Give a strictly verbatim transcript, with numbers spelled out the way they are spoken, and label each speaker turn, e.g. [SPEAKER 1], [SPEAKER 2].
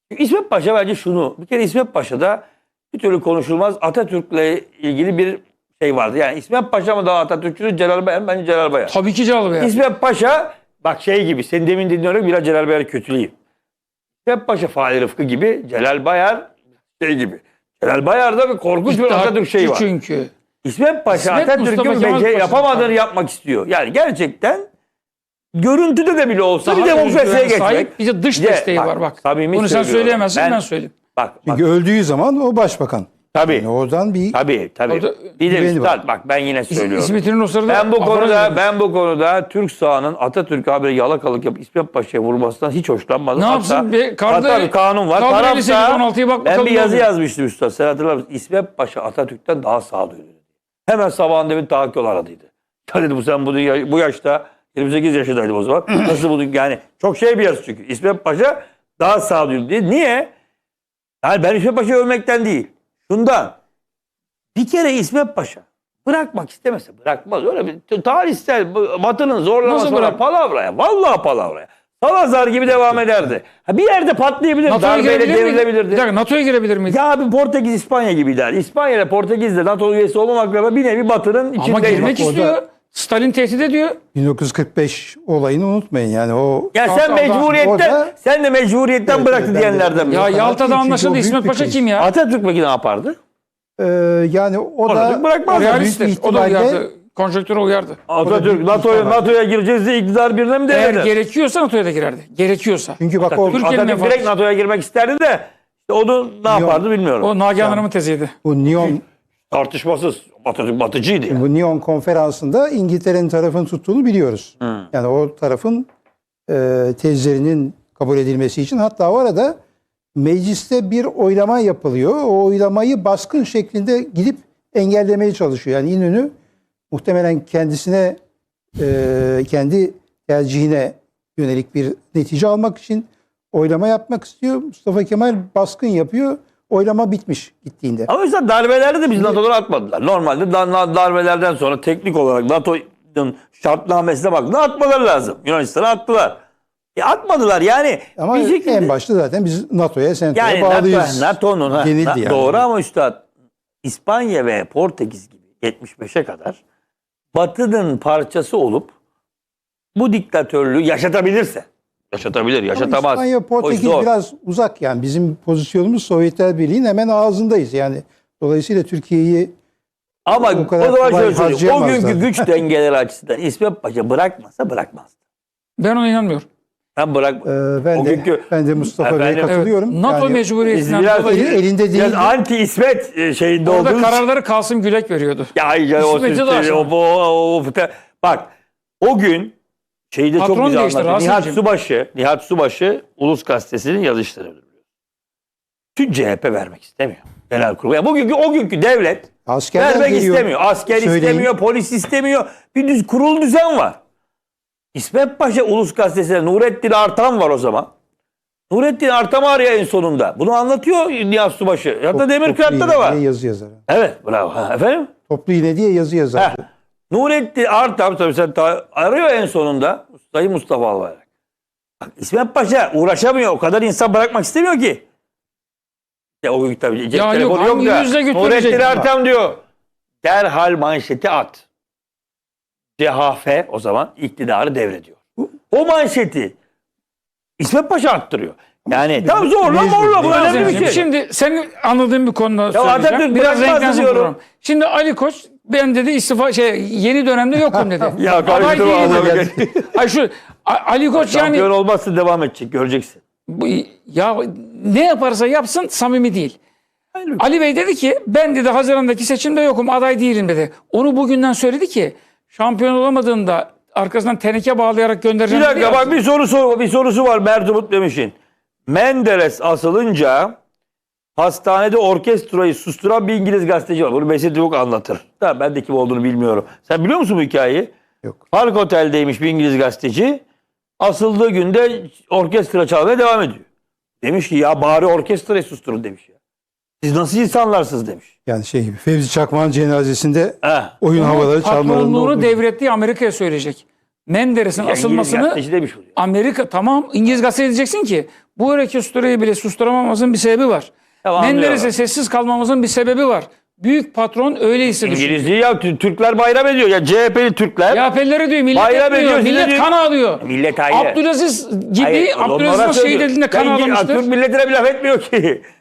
[SPEAKER 1] İsmet Paşa bence şunu. Bir kere İsmet Paşa'da bir türlü konuşulmaz Atatürk'le ilgili bir şey vardı. Yani İsmet Paşa mı daha Atatürkçüdür, Celal Bayar mı? Bence Celal Bayar.
[SPEAKER 2] Tabii ki Celal Bayar.
[SPEAKER 1] İsmet Paşa bak şey gibi, senin demin dinliyorum biraz Celal Bayar'ı kötüleyeyim. İsmet Paşa Fahri Rıfkı gibi, Celal Bayar şey gibi. Celal Bayar'da bir korkunç bir Atatürk şeyi var.
[SPEAKER 2] Çünkü.
[SPEAKER 1] İsmet Paşa
[SPEAKER 2] İsmet
[SPEAKER 1] Atatürk'ün bence yapamadığını yapmak istiyor. Yani gerçekten görüntüde de bile olsa
[SPEAKER 2] Daha
[SPEAKER 1] bir demokrasiye geçmek.
[SPEAKER 2] Sahip, bir de dış
[SPEAKER 1] Bir de,
[SPEAKER 2] desteği
[SPEAKER 1] bak,
[SPEAKER 2] var bak.
[SPEAKER 1] samimi
[SPEAKER 2] Bunu sen
[SPEAKER 1] söylüyorum.
[SPEAKER 2] söyleyemezsin ben,
[SPEAKER 1] Ben-
[SPEAKER 2] söyleyeyim.
[SPEAKER 1] Bak, bak.
[SPEAKER 3] Çünkü öldüğü zaman o başbakan.
[SPEAKER 1] Tabii.
[SPEAKER 3] Yani oradan bir
[SPEAKER 1] Tabii tabii.
[SPEAKER 2] Orada
[SPEAKER 1] Bir de
[SPEAKER 3] güveni
[SPEAKER 1] üstad
[SPEAKER 3] var.
[SPEAKER 1] bak ben yine söylüyorum.
[SPEAKER 2] İsmet'in o sırada
[SPEAKER 1] Ben bu
[SPEAKER 2] afaraz
[SPEAKER 1] konuda
[SPEAKER 2] vermiş.
[SPEAKER 1] ben bu konuda Türk sahanın Atatürk'e haberi yalakalık yapıp İsmet Paşa'ya vurmasından hiç hoşlanmadım.
[SPEAKER 2] Ne yapsın? Bir karda-
[SPEAKER 1] hatta bir kanun var.
[SPEAKER 2] Kanun
[SPEAKER 1] Tarafta
[SPEAKER 2] elli sekiz on altıya bak
[SPEAKER 1] ben
[SPEAKER 2] bakalım
[SPEAKER 1] bir
[SPEAKER 2] ne
[SPEAKER 1] yazı
[SPEAKER 2] oluyor.
[SPEAKER 1] yazmıştım üstad. Sen hatırlar mısın? İsmet Paşa Atatürk'ten daha sağduyulu. Hemen sabahında bir tahakkül aradıydı. Ya dedi bu sen bu, bu yaşta yirmi sekiz yaşındaydım o zaman. Nasıl bunu yani çok şey bir yazı çünkü. İsmet Paşa daha sağduyulu diye. Niye? Yani ben İsmet Paşa'yı övmekten değil. Şundan. Bir kere İsmet Paşa bırakmak istemese bırakmaz. Öyle bir tarihsel Batı'nın zorlaması
[SPEAKER 2] Nasıl
[SPEAKER 1] var.
[SPEAKER 2] bırak-
[SPEAKER 1] Palavraya. Vallahi palavraya. Salazar gibi devam ederdi. Ha, bir yerde patlayabilir.
[SPEAKER 2] NATO'ya
[SPEAKER 1] Darbeyle
[SPEAKER 2] girebilir miydi? Bir
[SPEAKER 1] devrilebilirdi.
[SPEAKER 2] dakika NATO'ya girebilir miydi?
[SPEAKER 1] Ya abi Portekiz İspanya gibiydi. İspanya ile Portekiz de NATO üyesi olmamakla beraber bir nevi Batı'nın
[SPEAKER 2] Ama
[SPEAKER 1] içindeydi.
[SPEAKER 2] girmek
[SPEAKER 3] Bak,
[SPEAKER 2] istiyor.
[SPEAKER 3] orada-
[SPEAKER 2] Stalin tehdit ediyor.
[SPEAKER 3] bin dokuz yüz kırk beş olayını unutmayın. Yani o
[SPEAKER 1] Ya sen
[SPEAKER 2] Orada-
[SPEAKER 1] mecburiyetten
[SPEAKER 3] orada-
[SPEAKER 1] sen de mecburiyetten
[SPEAKER 3] Evet,
[SPEAKER 1] bıraktı
[SPEAKER 3] evet, ben de-
[SPEAKER 1] diyenlerden mi?
[SPEAKER 2] Ya
[SPEAKER 3] kadar
[SPEAKER 2] Yalta'da
[SPEAKER 3] değil, çünkü
[SPEAKER 2] anlaşıldı.
[SPEAKER 3] o büyük
[SPEAKER 2] İsmet
[SPEAKER 3] bir
[SPEAKER 2] Paşa
[SPEAKER 3] kriz.
[SPEAKER 2] kim ya?
[SPEAKER 1] Atatürk peki ne yapardı?
[SPEAKER 3] e, yani o
[SPEAKER 1] Atatürk
[SPEAKER 3] da
[SPEAKER 1] bırakmaz.
[SPEAKER 3] büyük bir
[SPEAKER 2] Realisttir. O da
[SPEAKER 3] ihtimalle
[SPEAKER 2] uyardı. Konjonktüre uyardı.
[SPEAKER 1] Atatürk
[SPEAKER 3] büyük
[SPEAKER 1] NATO'ya
[SPEAKER 3] ihtimal.
[SPEAKER 1] NATO'ya gireceğiz diye iktidar birine mi
[SPEAKER 2] Eğer
[SPEAKER 1] denedi?
[SPEAKER 2] gerekiyorsa NATO'ya da girerdi. Gerekiyorsa.
[SPEAKER 3] çünkü bak o
[SPEAKER 1] Atatürk,
[SPEAKER 2] Türkiye'nin
[SPEAKER 1] Atatürk
[SPEAKER 2] menfaati-
[SPEAKER 1] direkt NATO'ya girmek isterdi de işte onu ne yapardı bilmiyorum.
[SPEAKER 2] O Nagihan Hanım'ın teziydi.
[SPEAKER 3] bu Nyon
[SPEAKER 1] Tartışmasız. Atatürk batıcıydı ya.
[SPEAKER 3] bu Nyon konferansında İngiltere'nin tarafını tuttuğunu biliyoruz. Yani o tarafın e, tezlerinin kabul edilmesi için hatta o arada mecliste bir oylama yapılıyor. O oylamayı baskın şeklinde gidip engellemeye çalışıyor. Yani İnönü muhtemelen kendisine e, kendi tercihine yönelik bir netice almak için oylama yapmak istiyor. Mustafa Kemal baskın yapıyor. Oylama bitmiş gittiğinde.
[SPEAKER 1] Ama mesela darbelerde de biz NATO'dan atmadılar. Normalde da- darbelerden sonra teknik olarak NATO'nun şartnamesine bak. Ne atmaları lazım? Yunanistan'a attılar. E atmadılar yani.
[SPEAKER 3] Ama
[SPEAKER 1] bir şekilde,
[SPEAKER 3] en başta zaten biz NATO'ya, SENTO'ya
[SPEAKER 1] yani
[SPEAKER 3] bağlıyız.
[SPEAKER 1] NATO'nun ha,
[SPEAKER 3] denildi
[SPEAKER 1] na-
[SPEAKER 3] yani.
[SPEAKER 1] doğru ama üstad İspanya ve Portekiz gibi yetmiş beşe kadar Batı'nın parçası olup bu diktatörlüğü yaşatabilirse yaşatabilir,
[SPEAKER 3] Ama
[SPEAKER 1] yaşatamaz.
[SPEAKER 3] İspanya,
[SPEAKER 1] O iş
[SPEAKER 3] Portekiz
[SPEAKER 1] zor.
[SPEAKER 3] biraz uzak yani. Bizim pozisyonumuz Sovyetler Birliği'nin hemen ağzındayız. Yani dolayısıyla Türkiye'yi
[SPEAKER 1] Ama
[SPEAKER 3] o
[SPEAKER 1] o,
[SPEAKER 3] kadar
[SPEAKER 1] zaman
[SPEAKER 3] kolay
[SPEAKER 1] şöyle söyleyeyim. O
[SPEAKER 3] harcayamazlar.
[SPEAKER 1] günkü güç dengeleri açısından İsmet Paşa bırakmasa bırakmazdı.
[SPEAKER 2] Ben ona inanmıyorum.
[SPEAKER 1] Ben bırak.
[SPEAKER 3] e, ben
[SPEAKER 1] O
[SPEAKER 3] de
[SPEAKER 1] günkü-
[SPEAKER 3] ben de Mustafa Bey'e
[SPEAKER 1] Efendim?
[SPEAKER 3] katılıyorum.
[SPEAKER 2] Evet. NATO
[SPEAKER 3] Yani
[SPEAKER 1] Biz
[SPEAKER 2] mecburiyetinden
[SPEAKER 1] biraz
[SPEAKER 2] dolayı
[SPEAKER 3] eli- elinde değil.
[SPEAKER 1] biraz anti İsmet e, şeyinde
[SPEAKER 2] orada
[SPEAKER 1] olduğumuz.
[SPEAKER 2] kararları Kasım Gülek veriyordu.
[SPEAKER 1] Ya, ya o,
[SPEAKER 2] İsmet'i de
[SPEAKER 1] o,
[SPEAKER 2] aşağı.
[SPEAKER 1] o, o, o, bak o gün şeyde çok
[SPEAKER 2] Patron
[SPEAKER 1] güzel
[SPEAKER 2] değişti,
[SPEAKER 1] anlatıyor. Nihat
[SPEAKER 2] Rasim'ciğim.
[SPEAKER 1] Subaşı, Nihat Subaşı Ulus Gazetesi'nin yazıştırıyor. Tüm C H P vermek istemiyor. Genelkurmay. Yani bugünkü o günkü devlet
[SPEAKER 3] askerler
[SPEAKER 1] vermek
[SPEAKER 3] geliyor.
[SPEAKER 1] istemiyor. Asker
[SPEAKER 3] Söyleyin.
[SPEAKER 1] istemiyor, polis istemiyor. Bir düz kurul düzen var. İsmet Paşa Ulus Gazetesi'nde Nurettin Artan var o zaman. Nurettin Artan arıyor en sonunda. Bunu anlatıyor Nihat Subaşı. Hatta
[SPEAKER 3] Toplu
[SPEAKER 1] Demirkırat'ta
[SPEAKER 3] iğne
[SPEAKER 1] da var.
[SPEAKER 3] diye yazı yazar.
[SPEAKER 1] Evet, bravo. Ha, efendim?
[SPEAKER 3] Toplu iğne diye yazı yazar.
[SPEAKER 1] Heh. Nurettin Artan tabii sen ta- arıyor en sonunda Sayın Mustafa Albayrak. Bak, İsmet Paşa uğraşamıyor. O kadar insan bırakmak istemiyor ki. Ya o gün tabii cep
[SPEAKER 2] Ya
[SPEAKER 1] telefonu
[SPEAKER 2] yok,
[SPEAKER 1] yok,
[SPEAKER 2] hangi
[SPEAKER 1] da.
[SPEAKER 2] yüzle götürecek?
[SPEAKER 1] Nurettin Artan diyor. Derhal manşeti at. C H P o zaman iktidarı devrediyor. O manşeti İsmet Paşa attırıyor. Yani tam zorla
[SPEAKER 3] mecbur,
[SPEAKER 1] morla bu
[SPEAKER 3] mecbur.
[SPEAKER 1] önemli bir
[SPEAKER 2] Şimdi,
[SPEAKER 1] şey.
[SPEAKER 2] şimdi senin anladığın bir konuda
[SPEAKER 1] Atatürk
[SPEAKER 2] söyleyeceğim. Biraz
[SPEAKER 1] bırakmaz
[SPEAKER 2] renklensin
[SPEAKER 1] diyorum.
[SPEAKER 2] program. Şimdi Ali Koç ben dedi istifa şey yeni dönemde yokum dedi.
[SPEAKER 1] Ya
[SPEAKER 2] Aday
[SPEAKER 1] karıştırma
[SPEAKER 2] değilim
[SPEAKER 1] adamı.
[SPEAKER 2] dedi. Ay şu A- Ali Koç yani
[SPEAKER 1] Şampiyon olmazsa devam edecek göreceksin.
[SPEAKER 2] bu- ya ne yaparsa yapsın samimi değil.
[SPEAKER 1] Hayır.
[SPEAKER 2] Ali Bey dedi ki ben dedi Haziran'daki seçimde yokum aday değilim dedi. Onu bugünden söyledi ki şampiyon olamadığında arkasından teneke bağlayarak
[SPEAKER 1] Bir
[SPEAKER 2] göndereceğim.
[SPEAKER 1] dakika
[SPEAKER 2] dedi ya.
[SPEAKER 1] bak bir sorusu bir sorusu var Mert Umut Demiş'in. Menderes asılınca hastanede orkestrayı susturan bir İngiliz gazeteci var. Bunu Mesut Yavuk anlatır. Tamam, ben de kim olduğunu bilmiyorum. Sen biliyor musun bu hikayeyi?
[SPEAKER 3] Yok.
[SPEAKER 1] Park Otel'deymiş bir İngiliz gazeteci. Asıldığı günde orkestra çalmaya devam ediyor. Demiş ki ya bari orkestrayı susturun demiş ya. Siz nasıl insanlarsınız demiş.
[SPEAKER 3] Yani şey gibi Fevzi Çakmak'ın cenazesinde
[SPEAKER 1] Ha.
[SPEAKER 3] oyun havaları çalmalarında
[SPEAKER 2] Patronluğunu
[SPEAKER 3] olduğu-
[SPEAKER 2] devrettiği Amerika'ya söyleyecek. Menderes'in
[SPEAKER 1] Ya İngiliz
[SPEAKER 2] asılmasını
[SPEAKER 1] gazeteci demiş bu.
[SPEAKER 2] Amerika tamam İngiliz gazetesi diyeceksin ki Bu reküstüreyi bile susturamamamızın bir sebebi var.
[SPEAKER 1] Tamam,
[SPEAKER 2] Menderes'e
[SPEAKER 1] anlıyorum.
[SPEAKER 2] sessiz kalmamızın bir sebebi var. Büyük patron öyleyse düşün.
[SPEAKER 1] İngilizliği ya Tü- Türkler bayram ediyor. Ya C H P'li Türkler.
[SPEAKER 2] C H P'lileri diyor millet
[SPEAKER 1] Bayram
[SPEAKER 2] etmiyor.
[SPEAKER 1] ediyor, size
[SPEAKER 2] Millet
[SPEAKER 1] diyor.
[SPEAKER 2] kan ağlıyor.
[SPEAKER 1] Millet ayrı.
[SPEAKER 2] Abdülaziz gibi
[SPEAKER 1] Hayır,
[SPEAKER 2] Abdülaziz'in
[SPEAKER 1] onlara
[SPEAKER 2] şehit
[SPEAKER 1] söylüyor.
[SPEAKER 2] edildiğinde kan
[SPEAKER 1] Ya İngiliz-
[SPEAKER 2] ağlamıştır.
[SPEAKER 1] Türk milletine bir laf etmiyor ki.